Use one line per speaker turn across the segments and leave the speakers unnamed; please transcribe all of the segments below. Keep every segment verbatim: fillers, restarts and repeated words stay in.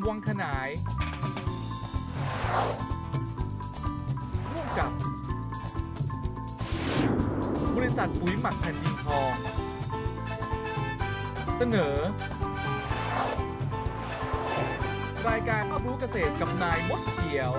วังขนายร่วมกับบริษัทปุ๋ยหมักแผ่นดินทองเสนอรายการรอบรู้เกษตรกับนายมดเขียว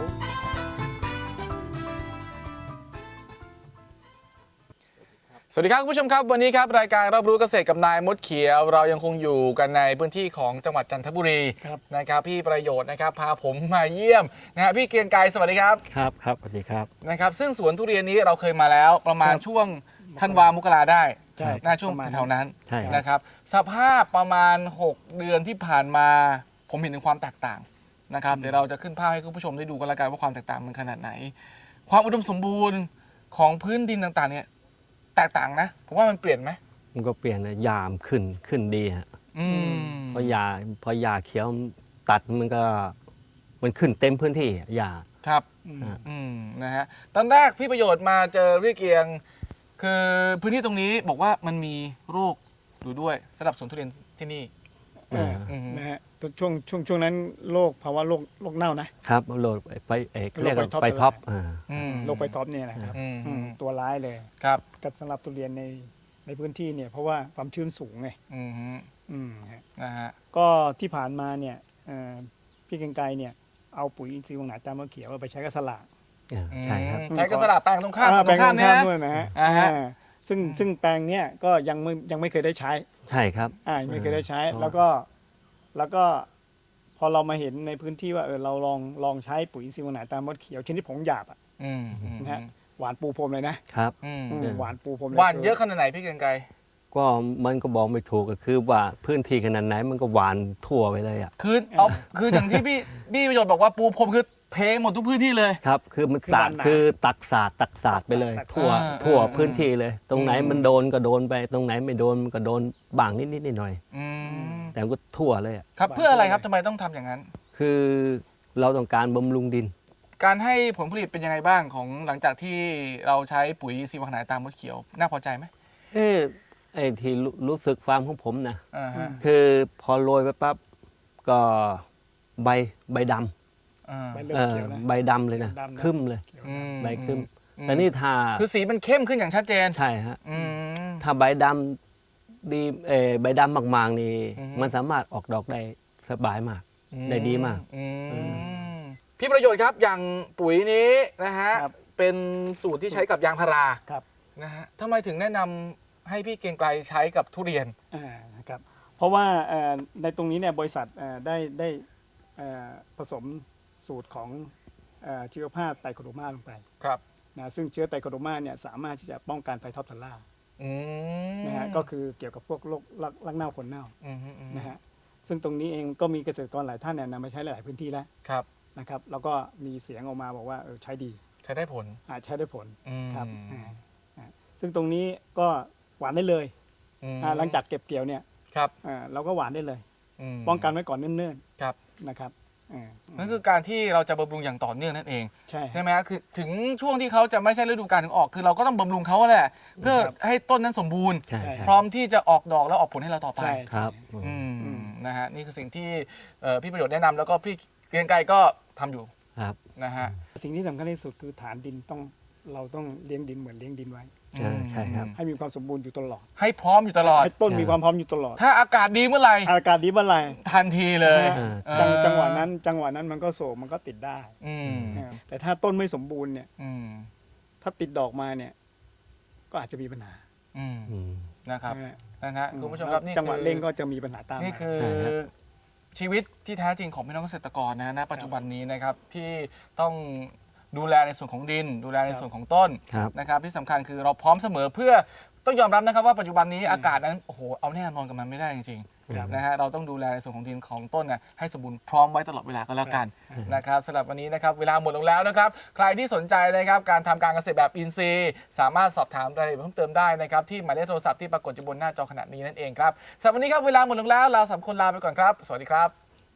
สวัสดีครับคุณผู้ชมครับวันนี้ครับรายการรอบรู้เกษตรกับนายมดเขียวเรายังคงอยู่กันในพื้นที่ของจังหวัดจันทบุรีนะครับพี่ประโยชน์นะครับพาผมมาเยี่ยมนะฮะพี่เกรียงไกรสวัสดีครับ
ครับครับสวัสดีครับ
นะครับซึ่งสวนทุเรียนนี้เราเคยมาแล้วประมาณช่วงธันวามกราได้หน้าช่วงแถวนั้นนะครับสภาพประมาณหกเดือนที่ผ่านมาผมเห็นถึงความแตกต่างนะครับเดี๋ยวเราจะขึ้นภาพให้คุณผู้ชมได้ดูกันละกันว่าความแตกต่างมันขนาดไหนความอุดมสมบูรณ์ของพื้นดินต่างๆเนี่ยแตกต่างนะผมว่ามันเปลี่ยนไหม
มันก็เปลี่ยนนะยามขึ้นขึ้นดีฮะพอยาพอยาเขียวตัดมันก็มันขึ้นเต็มพื้นที่ยา
ครับอืมนะฮะตอนแรกพี่ประโยชน์มาเจอพี่เกียงคือพื้นที่ตรงนี้บอกว่ามันมีโรคอยู่ด้วยสำหรับสวนทุเรียนที่นี่
นะฮะช่วงช่วงช่วงนั้นโรคภาวะโรคโรคเน่านะครับ
โรคไปเอกเรียกว่าไปท็อป
โรคไปท็อปเนี่ยนะครับตัวร้ายเลย
ครับ
กับสำหรับทุเรียนในในพื้นที่เนี่ยเพราะว่าความชื้นสูงไง
อืม
อืม
นะฮะ
ก็ที่ผ่านมาเนี่ยพี่เกรียงไกรเนี่ยเอาปุ๋ยอินทรีย์วงหนาตามมะเขียวไปใช้กับสลาก
ใช่ครับ
ใช้กับสลากแปลงตรงข้าม
แปลงตรงข้ามด้วยนะฮะซึ่งซึ่งแปลงเนี้ยก็ยังไม่ยังไม่เคยได้ใช้
ใช่ครับ
อ่าไม่เคยได้ใช้แล้วก็แล้วก็พอเรามาเห็นในพื้นที่ว่าเออเราลองลองใช้ปุ๋ยอินทรีย์วงหนาตามมดเขียวชนิดผงหยาบอ่ะนะฮะหวานปูพรมเลยนะครับหวานปูพรม
หวานเยอะขนาดไหนพี่เกรียงไกร
ก็มันก็บอกไม่ถูกก็คือว่าพื้นที่ขนาดไหนมันก็หวานทั่วไปเลยอ่ะ
คือเอาคืออย่างที่พี่พี่ประโยชน์บอกว่าปูพรมคือเทหมดทุกพื้นที่เลย
ครับคือมันสาดคือตักสาดตักสาดไปเลยทั่วทั่วพื้นที่เลยตรงไหนมันโดนก็โดนไปตรงไหนไม่โดนมันก็โดนบางนิดนิดหน่อยแต่ก็ทั่วเลย
ครับเพื่ออะไรครับทำไมต้องทำอย่างนั้น
คือเราต้องการบำรุงดิน
การให้ผลผลิตเป็นยังไงบ้างของหลังจากที่เราใช้ปุ๋ยซีวาหนาตามมดเขียวน่าพอใจไหม
เออไอ้ที่รู้สึกฟาร์มของผมนะคือพอโรยไปปั๊บก็ใบใบดำใบดำเลยนะขึ้นเลยใบขึ้นแต่นี่ถ้า
คือสีมันเข้มขึ้นอย่างชัดเจน
ใช่ฮะถ้าใบดำดีเออใบดำมากๆนี่มันสามารถออกดอกได้สบายมากได้ดีมาก
พี่ประโยชน์ครับอย่างปุ๋ยนี้นะฮะเป็นสูตรที่ใช้กับยางพารานะฮะทำไมถึงแนะนำให้พี่เกรียงไกรใช้กับทุเรียน
ครับเพราะว่าในตรงนี้เนี่ยบริษัทได้ได้ผสมสูตรของชีวภาพไตรโคโดมาลงไป
ครับ
นะซึ่งเชื้อไตรโคโดมาเนี่ยสามารถที่จะป้องกันไฟท็อปทัลล่านะฮะก็คือเกี่ยวกับพวกโรครักเน่าขนเน่านะฮะซึ่งตรงนี้เองก็มีเกษตรกรหลายท่านเนี่ยนำมาใช้หลายพื้นที่แล้ว
ครับ
นะครับแล้วก็มีเสียงออกมาบอกว่าเออใช้ดี
ใช้ได้ผล
ใช้ได้ผลครับซึ่งตรงนี้ก็หวานได้เลยหลังจากเก็บเกี่ยวเนี่ย
ครับ
เราก็หวานได้เลยป้องกันไว้ก่อนเนิ่น
ๆครับ
นะครับ
นั่นคือการที่เราจะบำรุงอย่างต่อเนื่องนั่นเอง
ใช่
ใช่ไหมครับคือถึงช่วงที่เขาจะไม่ใช่ฤดูกาลถึงออกคือเราก็ต้องบำรุงเขาแหละเพื่อให้ต้นนั้นสมบูรณ์พร้อมที่จะออกดอกแล้วออกผลให้เราต่อไป
ครับ
นะฮะนี่คือสิ่งที่พี่ประโยชน์แนะนำแล้วก็พี่เกรียงไกรก็ทำอยู่
ครับ
นะฮะ
สิ่งที่สำคัญที่สุดคือฐานดินต้องเราต้องเลี้ยงดินเหมือนเลี้ยงดินไว้
ใช่ครับ
ให้มีความสมบูรณ์อยู่ตลอด
ให้พร้อมอยู่ตลอด
ให้ต้นมีความพร้อมอยู่ตลอด
ถ้าอากาศดีเมื่อไหร่
อากาศดีเมื่อไหร่
ทันทีเลย
จังหวะนั้นจังหวะนั้นมันก็โศกมันก็ติดได้แต่ถ้าต้นไม่สมบูรณ์เนี่ยถ้าติดดอกมาเนี่ยก็อาจจะมีปัญหา
นะครับนะฮะคุณผู้ชมครับนี่
จังหวะเร่งก็จะมีปัญหาตาม
นี่คือชีวิตที่แท้จริงของพี่น้องเกษตรกรนะณปัจจุบันนี้นะครับที่ต้องดูแลในส่วนของดินดูแลในส่วนของต้นนะครับที่สำคัญคือเราพร้อมเสมอเพื่อต้องยอมรับนะครับว่าปัจจุบันนี้อากาศนั้นโอ้โหเอาแน่นอนกับมันไม่ได้จริงๆนะฮะเราต้องดูแลในส่วนของดินของต้นนะให้สมบูรณ์พร้อมไว้ตลอดเวลาก็แล้วกันนะครับสำหรับวันนี้นะครับเวลาหมดลงแล้วนะครับใครที่สนใจนะครับการทำการเกษตรแบบอินทรีย์สามารถสอบถามรายละเอียดเพิ่มเติมได้นะครับที่หมายเลขโทรศัพท์ที่ปรากฏอยู่บนหน้าจอขณะนี้นั่นเองครับสำหรับวันนี้ครับเวลาหมดลงแล้วเราสามคนลาไปก่อนครับสวัสดีครับ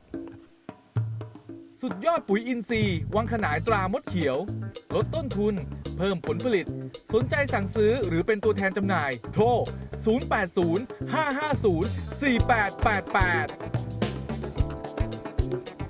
สุดยอดปุ๋ยอินทรีย์วังขนายตรามดเขียวลดต้นทุนเพิ่มผลผลิตสนใจสั่งซื้อหรือเป็นตัวแทนจำหน่ายโทรศูนย์ แปด ศูนย์ ห้า ห้า ศูนย์ สี่ แปด แปด แปด